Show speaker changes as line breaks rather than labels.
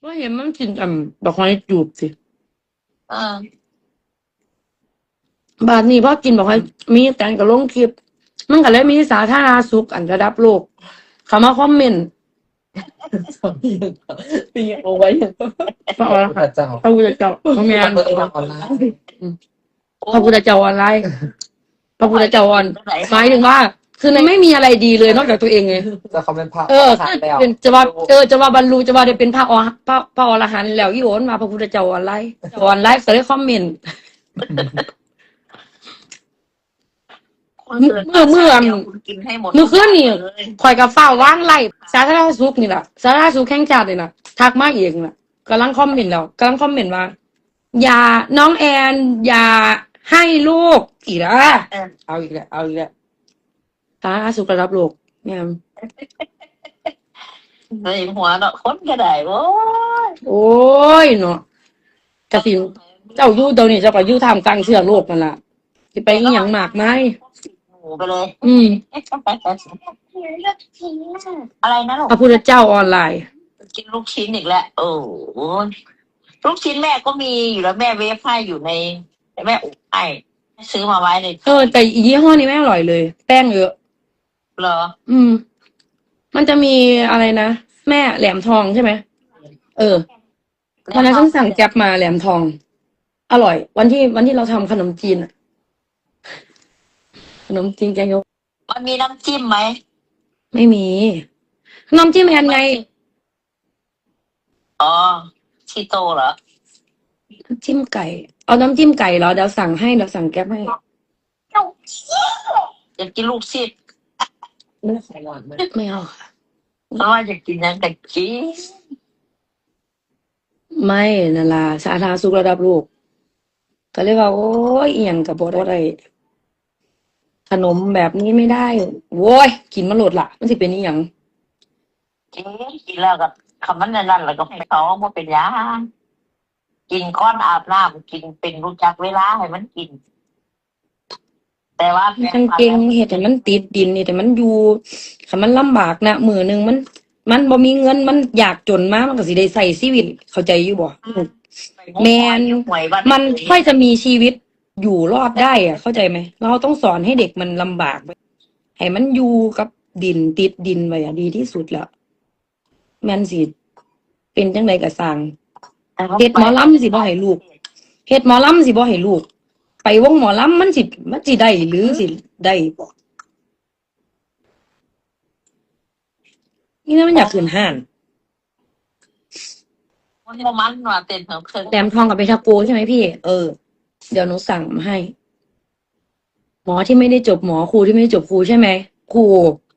ว่าเห็นมันกินดอกไม้จูบสิ
เออบ
าดนี้พอกินบอกให้มีแต่งกับลงคลิปมันก็เลยมีสาธารณสุขอันระดับโลกเขามาคอมเมนต์
ปีเอาไว้อย่าง
พระอร
พ
หัน
ระ
ต์
เจ้า
พระพุทธเจ้าพระแม่
มัน นเปิดออนไลน์
พระพุทธเจ้าออนไลน์พระพุทธเจ้าออนหมายถึงว่า คือในไม่มีอะไรดีเลยนอกจากตัวเองไง
จะเขาเป็นพระ
เออ
ขาดแล้ว
เป็นจะว่าบรรลุจะว่าได้เป็นพระอรหันต์แล้วอีโอนมาพระพุทธเจ้าออนไลน์ออนไลน์ก็เลยคอมเมนต์ เมื่อ
คุณกินให้หมด
เมื่อคืนนี่
เลย
ข่อยกับฟ้าว่างไล่สาธารณสุขนี่แหละสาธารณสุขแข่งชาตินี่แหละทักมาเองน่ะกำลังคอมเมนต์แล้วกำลังคอมเมนต์ว่า อย่าน้องแอนอย่าให้ลูกอีกแล้ว
เออ
เอาอีกแล้วสาธารณสุขระดับโลกเนี่ย
เลยหัวเนาะคนก็ได้โว้ย
โอ้ยเนาะกะสิเจ้าอยู่เดี๋ยวนี้เจ้าก็อยู่ท่ามกลางเชื้อโรคนั่นล่ะสิไปอีหยังมากมาย
หมูไปเลย
อืม
อะไรนะลูก
พระพุทธเจ้าออนไลน์
กินลูกชิ้นอีกแล้วโอ้โหลูกชิ้นแม่ก็มีอยู่แล้วแม่เวฟให้อยู่ในแม่อบให้ซื้อมาไว้ใน
แต่อียี่ห้อนี้ไม่อร่อยเลย แป้งเยอะ
เหรอ
อืม มันจะมีอะไรนะแม่แหลมทองใช่ไหมวันนั้นฉันสั่งแก๊ปมาแหลมทอง อร่อย วันที่เราทำขนมจีนอะขนมจีนแกงยก
มันมีน้ำจิ้มไหม
ไม่มีน้ำจิ้มแอนไง
อ๋อชีโตเหรอ
น้ำจิ้มไก่ เอาน้ำจิ้มไก่เหรอเดี๋ยวสั่งแก๊ปให้
อยากกินลูกชิ้น
ไม่ได้ของหวานไหม
ไม่เอาค่ะ
เพราะว่าอยากกินยังแต่กิน
ไม่นั่นล่ะสาธารณสุขระดับโลกก็เลยว่าโอ้ยเอียงกับบ่ได้ขนมแบบนี้ไม่ได้โว้ยกินมาโหลดละมันสิเป็นอีหยัง
กินแล้วก็คำมันนั่นแล้วก็ให้เขาว่าเป็นยากินก้อนอาบน้ำกินเป็นรู้จักเวลาให้มันกิน แต่ว่า
มันเก่งเฮ็ดให้มันติดดินนี่แต่มันอยู่คันมันลำบากนะมื้อหนึงมันบ่มีเงินมันอยากจนมามันก็สิได้ใช้ชีวิตเข้าใจอยู่บ่ แมน มันค่อยจะมีชีวิตอยู่รอดได้อะเข้าใจไหมเราต้องสอนให้เด็กมันลำบากไว้ให้มันอยู่กับดินติดดินไว้อะดีที่สุดแล้วแม่นสิเป็นจังไดก็สร้างเฮ็ดหมอลำสิบ่ให้ลูกเฮ็ดหมอลำสิบ่ให้ลูก ไปวงหมอลำมันสิได้หรือสิได้บ่นี่นะมันอยากขึ้นห้าน
มันว่าเต้นเพิ่ม
แหลมทองกับเบทาโกใช่ไหมพี่ เดี๋ยวหนูสั่งมาให้ หมอที่ไม่ได้จบหมอครูที่ไม่ได้จบครูใช่ไหมครู